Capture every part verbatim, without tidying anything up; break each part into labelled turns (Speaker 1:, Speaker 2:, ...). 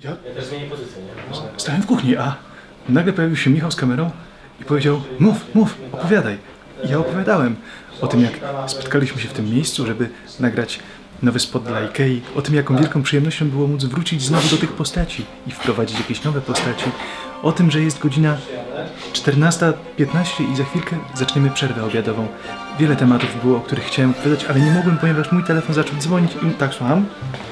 Speaker 1: Ja,
Speaker 2: Ja też zmienię pozycję, nie?
Speaker 1: stałem w kuchni, a nagle pojawił się Michał z kamerą i powiedział: mów, mów, opowiadaj. I ja opowiadałem o tym, jak spotkaliśmy się w tym miejscu, żeby nagrać nowy spot dla Ikei, o tym, jaką wielką przyjemnością było móc wrócić znowu do tych postaci i wprowadzić jakieś nowe postaci, o tym, że jest godzina czternasta piętnaście i za chwilkę zaczniemy przerwę obiadową. Wiele tematów było, o których chciałem opowiadać, ale nie mogłem, ponieważ mój telefon zaczął dzwonić i tak, słucham.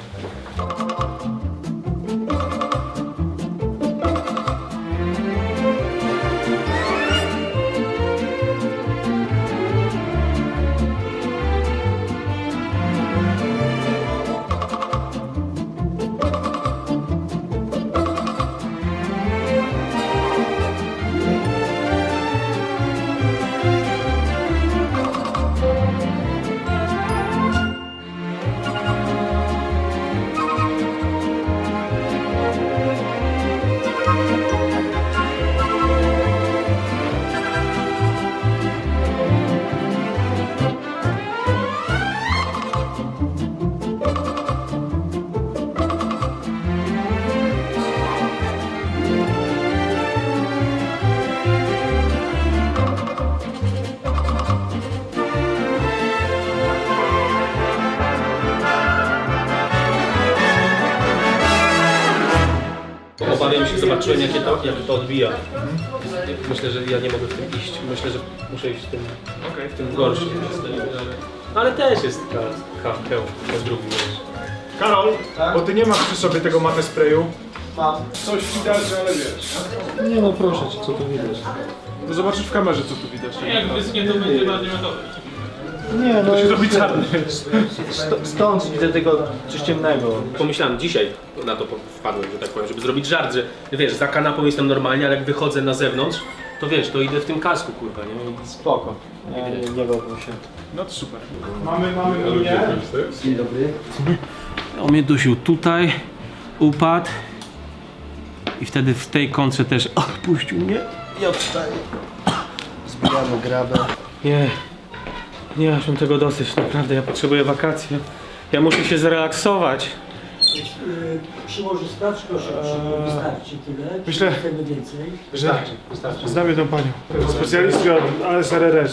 Speaker 2: Obawiam się, zobaczyłem jakie to, jak to odbija. Myślę, że ja nie mogę w tym iść. Myślę, że muszę iść w tym, okay. w tym gorszym. Ale też jest kawkę po drugim.
Speaker 1: Karol, tak? Bo ty nie masz przy sobie tego matę sprayu.
Speaker 3: Mam.
Speaker 1: Coś widać, ale wiesz.
Speaker 3: Nie no proszę cię, co tu widać?
Speaker 1: To zobaczysz w kamerze, co tu widać.
Speaker 2: Jak wyschnie, to będzie bardziej metowy.
Speaker 3: Nie no,
Speaker 1: To się robi czarny.
Speaker 3: st stąd widzę tego coś ciemnego.
Speaker 2: Pomyślałem dzisiaj, na to wpadłem, że tak powiem, żeby zrobić żart, że wiesz, za kanapą jestem normalnie, ale jak wychodzę na zewnątrz, to wiesz, to idę w tym kasku, kurwa, nie?
Speaker 3: Spoko. Nie, nie, nie bałbym się.
Speaker 1: No to super. Mamy, mamy linię.
Speaker 3: Dzień dobry.
Speaker 2: On mnie dusił tutaj, upadł i wtedy w tej kontrze też puścił mnie.
Speaker 3: Ja wstaję. Zbijamy grabę.
Speaker 2: Nie, nie, aż mam tego dosyć, naprawdę, ja potrzebuję wakacji. Ja muszę się zrelaksować.
Speaker 4: Przyłoży sprawdź, proszę, eee, wystarczy tyle.
Speaker 1: Myślę,
Speaker 4: nie chcemy więcej.
Speaker 1: Wystarczy, wystarczy. Znam jedną panią. Specjalistkę od A S R R S.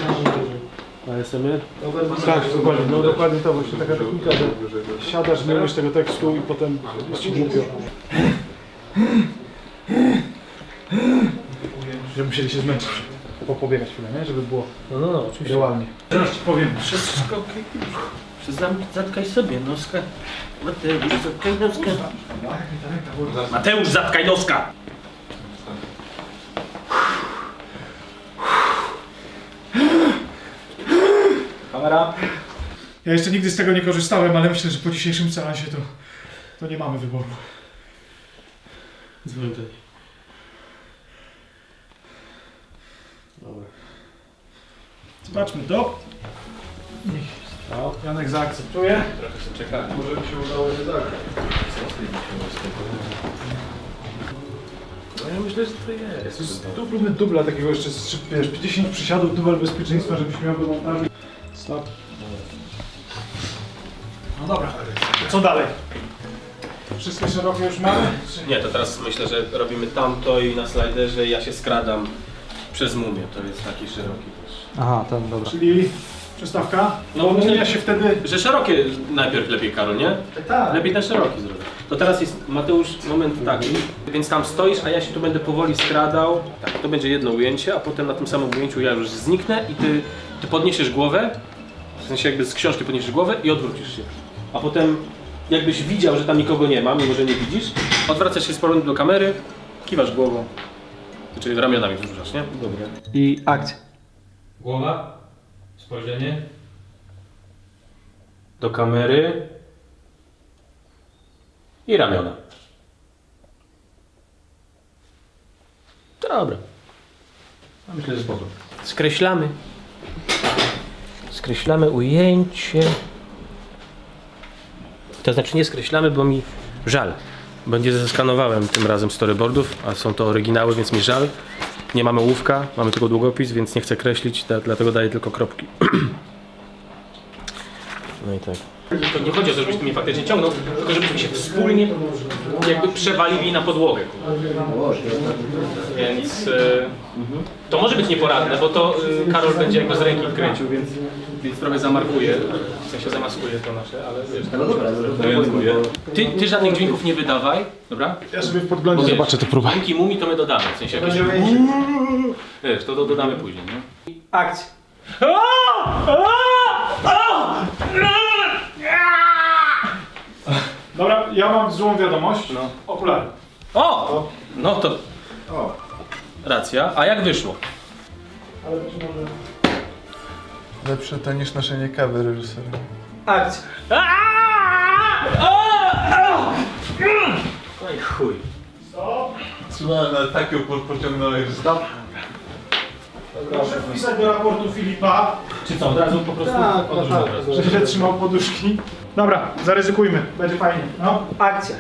Speaker 2: A S M R?
Speaker 1: Tak, dokładnie. No dokładnie to właśnie taka technika, że siadasz, nie umiesz tego tekstu i potem jest ci głupio. Że musieli się zmęczyć. Popobiegać chwilę, nie? Żeby było
Speaker 2: No, no, no, oczywiście.
Speaker 1: realnie. Teraz ci powiem.
Speaker 2: Wszystko, zatkaj sobie noska. Mateusz, zatkaj noska. Mateusz, zatkaj noska!
Speaker 3: Kamera.
Speaker 1: Ja jeszcze nigdy z tego nie korzystałem, ale myślę, że po dzisiejszym seansie to, to nie mamy wyboru.
Speaker 2: Dzwoń do niej. Dobra.
Speaker 1: Zobaczmy to. Janek zaakceptuje.
Speaker 2: Trochę się czeka.
Speaker 3: Może by się udało nie zagrać.
Speaker 2: No ja myślę, że to jest.
Speaker 1: Tu próbujmy dubla takiego jeszcze, z, wiesz, dziesięć przysiadów, dubel bezpieczeństwa, żebyś miał do montażu. Stop. No dobra, co dalej? Wszystkie szerokie już mamy?
Speaker 2: Nie, to teraz myślę, że robimy tamto i na slajderze ja się skradam przez mumię. To jest taki szeroki też.
Speaker 3: Aha, ten, dobra.
Speaker 1: Czyli przystawka?
Speaker 2: No,
Speaker 1: No,
Speaker 2: myślę-
Speaker 1: ja się wtedy...
Speaker 2: Że szerokie najpierw lepiej, Karol, nie?
Speaker 1: Tak.
Speaker 2: Lepiej ten szeroki zrobić. To teraz jest, Mateusz, moment taki, więc tam stoisz, a ja się tu będę powoli skradał. Tak, to będzie jedno ujęcie, a potem na tym samym ujęciu ja już zniknę i ty, ty podniesiesz głowę, w sensie jakby z książki podniesiesz głowę i odwrócisz się. A potem jakbyś widział, że tam nikogo nie ma, mimo że nie widzisz, odwracasz się z powrotem do kamery, kiwasz głową, czyli ramionami wzruszasz, nie?
Speaker 3: Dobra. I akcja.
Speaker 2: Głowa, spojrzenie do kamery i ramiona. Dobra. No myślę, że spoko. Skreślamy. Skreślamy ujęcie. To znaczy nie skreślamy, bo mi żal. Bo nie zeskanowałem tym razem storyboardów, a są to oryginały, więc mi żal. Nie mamy ołówka, mamy tylko długopis, więc nie chcę kreślić, dlatego daję tylko kropki. No i tak. To nie chodzi o to, żebyś ty mnie faktycznie ciągnął, tylko żebyśmy się wspólnie jakby przewalili na podłogę. Więc e, to może być nieporadne, bo to e, Karol będzie jakby z ręki kręcił, więc, więc trochę zamarkuje, w sensie zamaskuje to nasze, ale wiesz, tak orientuję. Ty, ty żadnych dźwięków nie wydawaj, dobra?
Speaker 1: Ja sobie w podglądzie
Speaker 2: Bo wiesz,
Speaker 1: zobaczę to próbę.
Speaker 2: dźwięki mumi to my dodamy, w sensie jakieś... Wiesz, to do, dodamy później, nie?
Speaker 3: Akcja.
Speaker 1: Dobra, ja mam złą wiadomość.
Speaker 2: No.
Speaker 1: Okulary.
Speaker 2: O! No to... Racja. A jak wyszło?
Speaker 5: Lepsze to niż noszenie kawy reżysera.
Speaker 3: Akcja.
Speaker 2: No i chuj.
Speaker 5: Słuchaj, ale taką pociągnąłeś, że stop.
Speaker 1: Proszę wpisać do raportu Filipa,
Speaker 2: Czy co, od razu po prostu
Speaker 3: Tak,
Speaker 2: odrzucę
Speaker 3: tak.
Speaker 2: od razu.
Speaker 1: że źle trzymał poduszki. Dobra, zaryzykujmy, będzie fajnie. No.
Speaker 3: Akcja.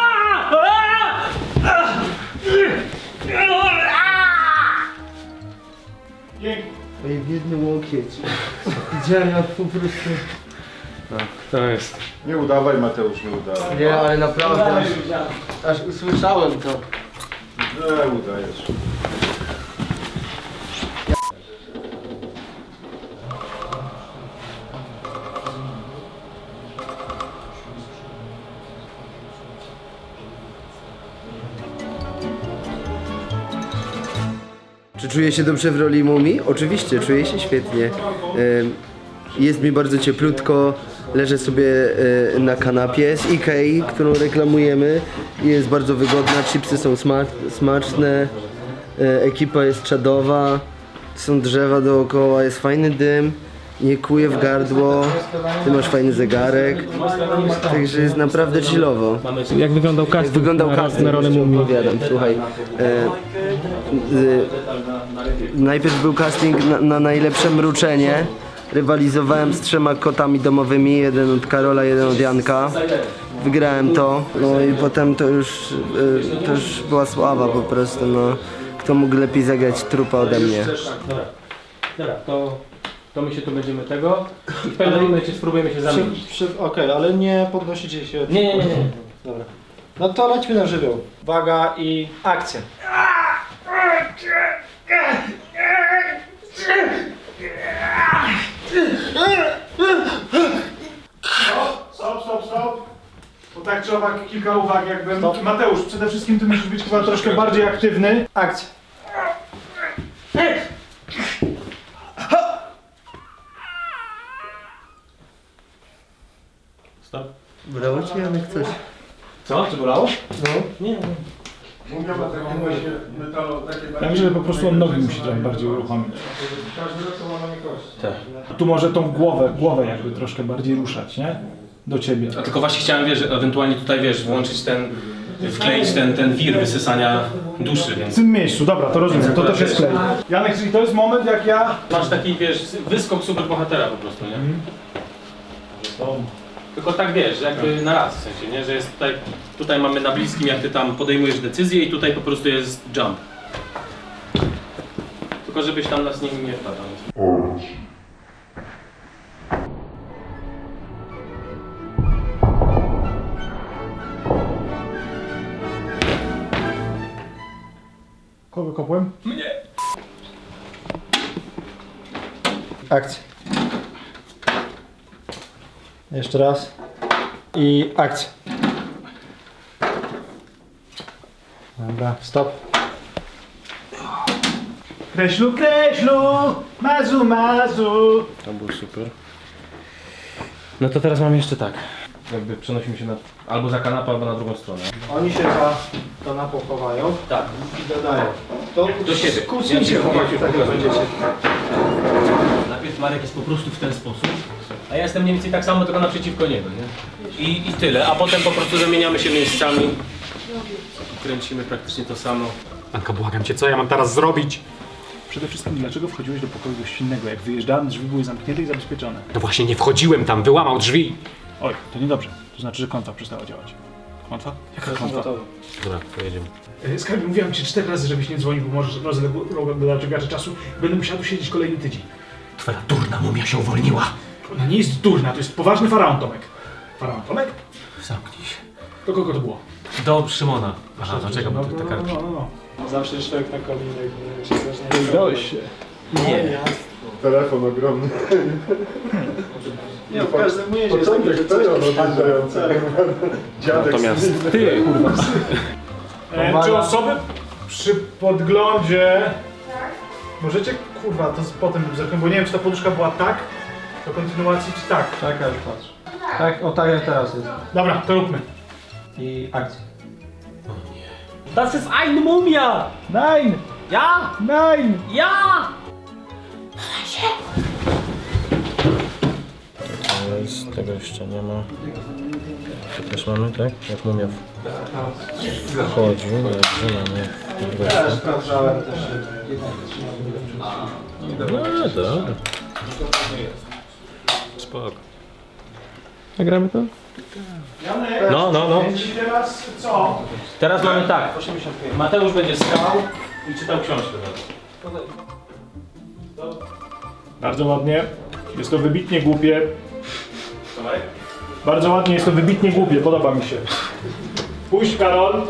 Speaker 1: Pięknie.
Speaker 3: Oj, biedny łokieć. Widziałem jak po prostu...
Speaker 2: To jest.
Speaker 5: Nie udawaj, Mateusz, nie udawaj.
Speaker 3: Nie, ale naprawdę aż, aż usłyszałem to.
Speaker 5: Nie udajesz.
Speaker 6: Czy czuję się dobrze w roli mumii? Oczywiście, czuję się świetnie. Em, Jest mi bardzo cieplutko, leżę sobie e, na kanapie z Ikei, którą reklamujemy. Jest bardzo wygodna, chipsy są sma smaczne, e, ekipa jest czadowa, są drzewa dookoła, jest fajny dym, nie kuje w gardło, ty masz fajny zegarek, także jest naprawdę chillowo.
Speaker 2: Jak wyglądał
Speaker 6: Jak
Speaker 2: casting
Speaker 6: wyglądał
Speaker 2: na,
Speaker 6: casting,
Speaker 2: na rolę
Speaker 6: jeszcze
Speaker 2: mumii?
Speaker 6: opowiadam, słuchaj. E, e, najpierw był casting na, na najlepsze mruczenie. Rywalizowałem z trzema kotami domowymi, jeden od Karola, jeden od Janka. Wygrałem to, no i potem to już, e, to już była sława po prostu, no. Kto mógł lepiej zagrać trupa ode mnie?
Speaker 2: Dobra, dobra, to, to my się tu będziemy tego i w pewnym momencie spróbujemy się zamienić.
Speaker 3: Przy, przy, Okej, ale nie podnosicie się.
Speaker 2: Nie, nie, nie, nie.
Speaker 3: Dobra. No to lećmy na żywioł. Uwaga i akcja.
Speaker 1: Stop, stop, stop. Bo tak czy owak kilka uwag jakbym. Mateusz, przede wszystkim ty musisz być chyba troszkę bardziej aktywny.
Speaker 3: Akcja.
Speaker 2: Stop.
Speaker 6: Brało ci Janek coś?
Speaker 2: Co? Czy bolało?
Speaker 1: Ja myślę, że po prostu on nogi musi trochę bardziej uruchomić.
Speaker 2: Tak.
Speaker 1: Tu może tą głowę, głowę jakby troszkę bardziej ruszać, nie? Do ciebie.
Speaker 2: A tylko właśnie chciałem, wiesz, ewentualnie tutaj, wiesz, włączyć ten, wkleić ten, ten wir wysysania duszy,
Speaker 1: W
Speaker 2: więc...
Speaker 1: tym miejscu, dobra, to rozumiem, to też jest klej. Janek, czyli to jest moment jak ja...
Speaker 2: Masz taki, wiesz, wyskok superbohatera po prostu, nie? Tylko tak, wiesz, jakby na raz, w sensie, nie? Że jest tutaj, tutaj mamy na bliskim, jak ty tam podejmujesz decyzję i tutaj po prostu jest jump. Tylko żebyś tam nas nie, nie wpadał.
Speaker 1: Kogo kopłem?
Speaker 3: Akcja. Jeszcze raz. I akcja. Dobra, stop.
Speaker 1: Kreślu, kreślu, mazu, mazu.
Speaker 2: To był super. No to teraz mam jeszcze tak. Jakby przenosimy się na, albo za kanapę, albo na drugą stronę.
Speaker 3: Oni się za kanapą chowają
Speaker 2: Tak.
Speaker 3: i dodają. To
Speaker 2: Do siebie.
Speaker 3: Kłócnijcie, chłopaki, tak jak będziecie.
Speaker 2: Najpierw Marek jest po prostu w ten sposób, a ja jestem mniej więcej tak samo, tylko naprzeciwko niego, nie? I, I tyle, a potem po prostu zamieniamy się miejscami. Kręcimy praktycznie to samo.
Speaker 7: Anka, błagam cię, co ja mam teraz zrobić?
Speaker 1: Przede wszystkim, dlaczego wchodziłeś do pokoju gościnnego? Jak wyjeżdżałem, drzwi były zamknięte i zabezpieczone.
Speaker 7: No właśnie nie wchodziłem tam, wyłamał drzwi.
Speaker 1: Oj, to niedobrze. To znaczy, że klątwa przestała działać. Klątwa? Jaka klątwa?
Speaker 2: Dobra, pojedziemy.
Speaker 1: Skarbie, mówiłem ci cztery razy, żebyś nie dzwonił, bo możesz rozlegać czasu. Będę musiał tu siedzieć kolejny tydzień.
Speaker 7: Twoja durna mumia się uwolniła.
Speaker 1: Ona nie jest durna, to jest poważny faraon, Tomek. Paran, Tomek?
Speaker 2: Zamknij się.
Speaker 1: Do kogo to było?
Speaker 2: Do Szymona. Aha, dlaczego bo tu te kartki?
Speaker 3: Zawsze człowiek na kominek, jak się zacznie.
Speaker 1: Udałeś się.
Speaker 2: Nie.
Speaker 5: Telefon ogromny.
Speaker 3: Nie, w każdym razie jest
Speaker 5: Początek
Speaker 3: takie
Speaker 5: tego
Speaker 3: coś,
Speaker 5: odjeżdżający. Dziadek
Speaker 2: Natomiast
Speaker 5: z
Speaker 2: ty, kurwa.
Speaker 1: E, czy osoby przy podglądzie... Możecie, kurwa, to z- potem zerknę, bo nie wiem, czy ta poduszka była tak, do kontynuacji, czy tak.
Speaker 3: Czekaj, patrz. Tak, o tak jak teraz jest.
Speaker 1: Dobra, to róbmy.
Speaker 3: I akcja.
Speaker 2: Das ist ein Mumia!
Speaker 1: Nein!
Speaker 2: Ja!
Speaker 1: Nein!
Speaker 2: Ja!
Speaker 3: Z tego jeszcze nie ma. Tu też mamy, tak? Jak mumia wchodzi, dobrze, mamy. Ja sprawdzałem też. No dobra.
Speaker 2: Spoko. Nagramy to? No, no, no.
Speaker 1: I teraz co?
Speaker 2: Teraz mamy tak. Mateusz będzie stał i czytał książkę.
Speaker 1: Bardzo ładnie. Jest to wybitnie głupie. Bardzo ładnie, jest to wybitnie głupie, podoba mi się. Puść, Karol.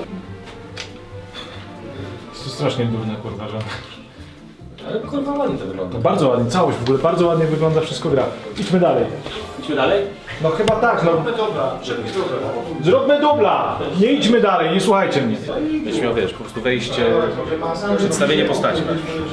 Speaker 1: Jest to strasznie durne, kurwa, że...
Speaker 2: Ale kurwa ładnie to wygląda.
Speaker 1: No bardzo ładnie, całość w ogóle, bardzo ładnie wygląda, wszystko gra. Idźmy dalej.
Speaker 2: Idźmy dalej?
Speaker 1: No chyba tak, no. Zróbmy dubla! Nie idźmy dalej, nie słuchajcie mnie.
Speaker 2: Będziesz miał, wiesz, po prostu wejście, przedstawienie postaci.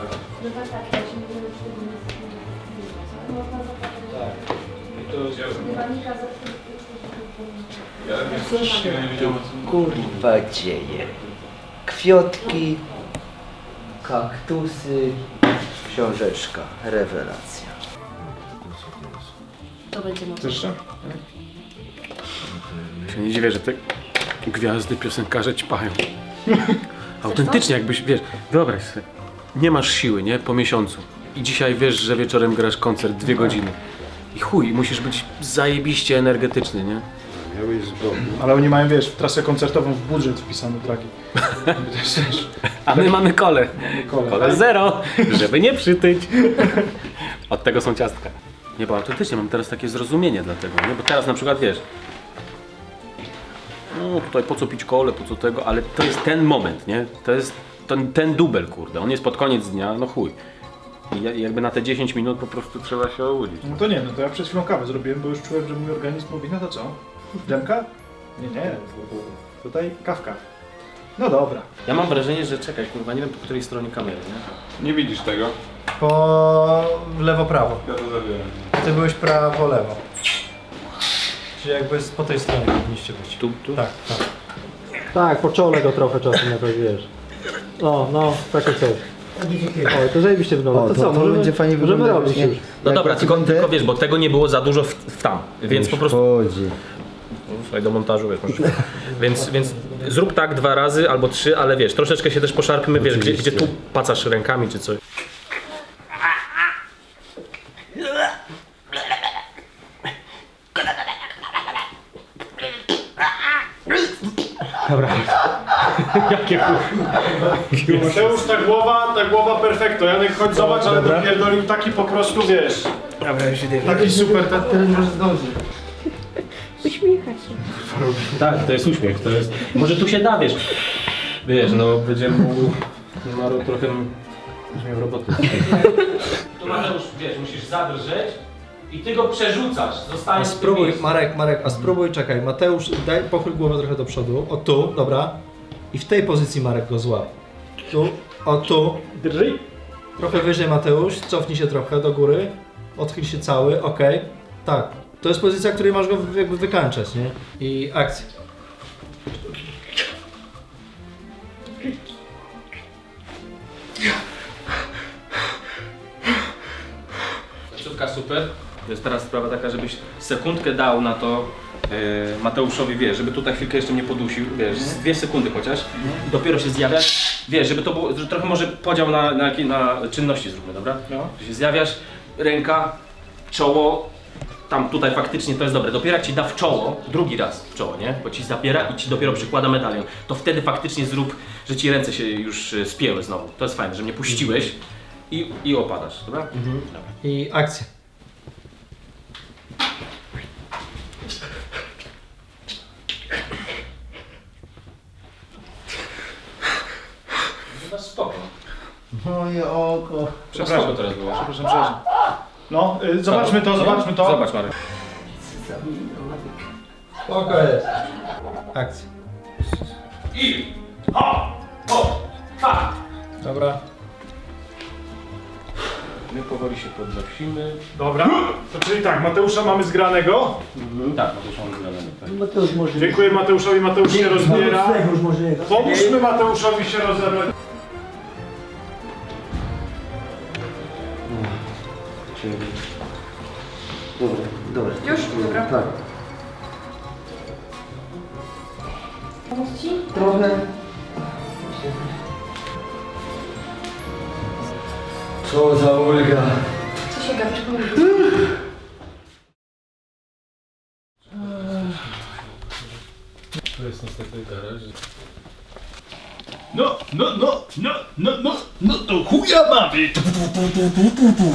Speaker 6: Kurwa dzieje. Kwiotki, kaktusy, książeczka, rewelacja.
Speaker 8: To będzie mocno.
Speaker 1: Jeszcze?
Speaker 2: Się nie dziwię, że te gwiazdy piosenkarze ćpają. Autentycznie jakbyś, wiesz, wyobraź sobie, nie masz siły, nie? Po miesiącu. I dzisiaj wiesz, że wieczorem grasz koncert dwie godziny. I chuj, musisz być zajebiście energetyczny, nie?
Speaker 1: Ale oni mają, wiesz, w trasę koncertową w budżet wpisany traki.
Speaker 2: A my mamy kole.
Speaker 1: Kole.
Speaker 2: Kole zero, żeby nie przytyć. Od tego są ciastka. Nie, bo autentycznie mam teraz takie zrozumienie dla tego, nie? Bo teraz na przykład, wiesz, no tutaj po co pić kole, po co tego, ale to jest ten moment, nie? To jest ten, ten dubel, kurde, on jest pod koniec dnia, no chuj. I ja- jakby na te dziesięć minut po prostu trzeba się obudzić.
Speaker 1: No to nie, no to ja przed chwilą kawę zrobiłem, bo już czułem, że mój organizm mówi, no to co? Dżemka? Nie, nie. Tutaj kawka. No dobra.
Speaker 2: Ja mam wrażenie, że czekaj, kurwa, nie wiem po której stronie kamery, nie?
Speaker 5: Nie widzisz tego?
Speaker 3: Po lewo, prawo.
Speaker 5: Ja to zabieram.
Speaker 3: Ty byłeś prawo, lewo. Czyli jakby z- po tej stronie powinniście być.
Speaker 2: Tu, tu?
Speaker 3: Tak, tak. Tak, po czole go trochę czasem jakoś wiesz. O, no, takie coś. O, to zajebiście wygląda.
Speaker 6: O,
Speaker 3: to,
Speaker 6: to-
Speaker 3: co,
Speaker 6: to
Speaker 3: możemy,
Speaker 6: będzie fajnie
Speaker 3: możemy
Speaker 6: wyglądać,
Speaker 3: robić
Speaker 6: nie?
Speaker 3: już.
Speaker 2: No
Speaker 6: Jak
Speaker 2: dobra,
Speaker 6: ja
Speaker 2: tylko,
Speaker 6: będę-
Speaker 2: tylko wiesz, bo tego nie było za dużo w, w tam, więc po prostu...
Speaker 6: Chodzi.
Speaker 2: Słuchaj, do montażu, wiesz, możesz... więc, więc zrób tak dwa razy albo trzy, ale wiesz, troszeczkę się też poszarpmy, wiesz, gdzie, gdzie tu pacasz rękami czy coś. Dobra. Jakie
Speaker 1: Mateusz, ta głowa, ta głowa perfekto. Janek, chodź zobacz, ale dopierdolił taki po prostu, wiesz. Taki super, ten, ten może zdąży.
Speaker 8: Uśmiecha się.
Speaker 2: Tak, to jest uśmiech, to jest... Może tu się da, wiesz. Wiesz, no będzie mógł... Maru trochę... Będzie miał roboty. Tu Mateusz, wiesz, musisz zadrżeć i ty go przerzucasz,
Speaker 3: A
Speaker 2: zostajesz w tym
Speaker 3: spróbuj,
Speaker 2: miejscu.
Speaker 3: Marek, Marek, a spróbuj, czekaj, Mateusz, daj, pochyl głowę trochę do przodu, o tu, dobra. I w tej pozycji Marek go złap. Tu, o tu.
Speaker 1: Drżyj.
Speaker 3: Trochę wyżej Mateusz, cofnij się trochę do góry. Odchyl się cały, okej. Tak, to jest pozycja, w której masz go jakby wykańczać, nie? I akcja.
Speaker 2: Końcówka super. To jest teraz sprawa taka, żebyś sekundkę dał na to yy, Mateuszowi, wiesz, żeby tutaj chwilkę jeszcze mnie podusił, wiesz, z dwie sekundy chociaż. I dopiero się zjawiasz, wiesz, żeby to było, że trochę może podział na, na, jakie- na czynności zróbmy, dobra?
Speaker 1: No.
Speaker 2: Że się zjawiasz, ręka, czoło, tam tutaj faktycznie to jest dobre. Dopiero jak ci da w czoło, drugi raz w czoło, nie? Bo ci zapiera i ci dopiero przykłada medalion. To wtedy faktycznie zrób, że ci ręce się już y, spięły znowu. To jest fajne, że mnie puściłeś i, i opadasz, dobra?
Speaker 3: I akcja.
Speaker 2: No spoko.
Speaker 6: Moje oko.
Speaker 1: Przepraszam.
Speaker 2: Spoko teraz było.
Speaker 1: Przepraszam, przepraszam. No, y, zobaczmy to, zobaczmy to.
Speaker 2: Zobacz, Marek.
Speaker 3: Spoko jest. Akcja.
Speaker 2: I... Ho! Ho! Ha!
Speaker 3: Dobra.
Speaker 2: My powoli się podnosimy.
Speaker 1: Dobra, to czyli tak, Mateusza mamy zgranego.
Speaker 2: Tak, no to już mamy zgadane. Tak.
Speaker 4: Mateusz może...
Speaker 1: Dziękuję Mateuszowi, Mateusz się rozbiera.
Speaker 4: Mateusz może...
Speaker 1: Pomóżmy Mateuszowi się rozebrać.
Speaker 6: Dobra, dobra.
Speaker 8: Już? Dobra.
Speaker 6: Tak.
Speaker 8: Pomóc ci?
Speaker 6: Trochę. Co za ulga.
Speaker 8: Co się gapisz? Pomóc.
Speaker 2: To jest niestety garaż.
Speaker 1: No, no, no, no, no, no, no to chuja mamy.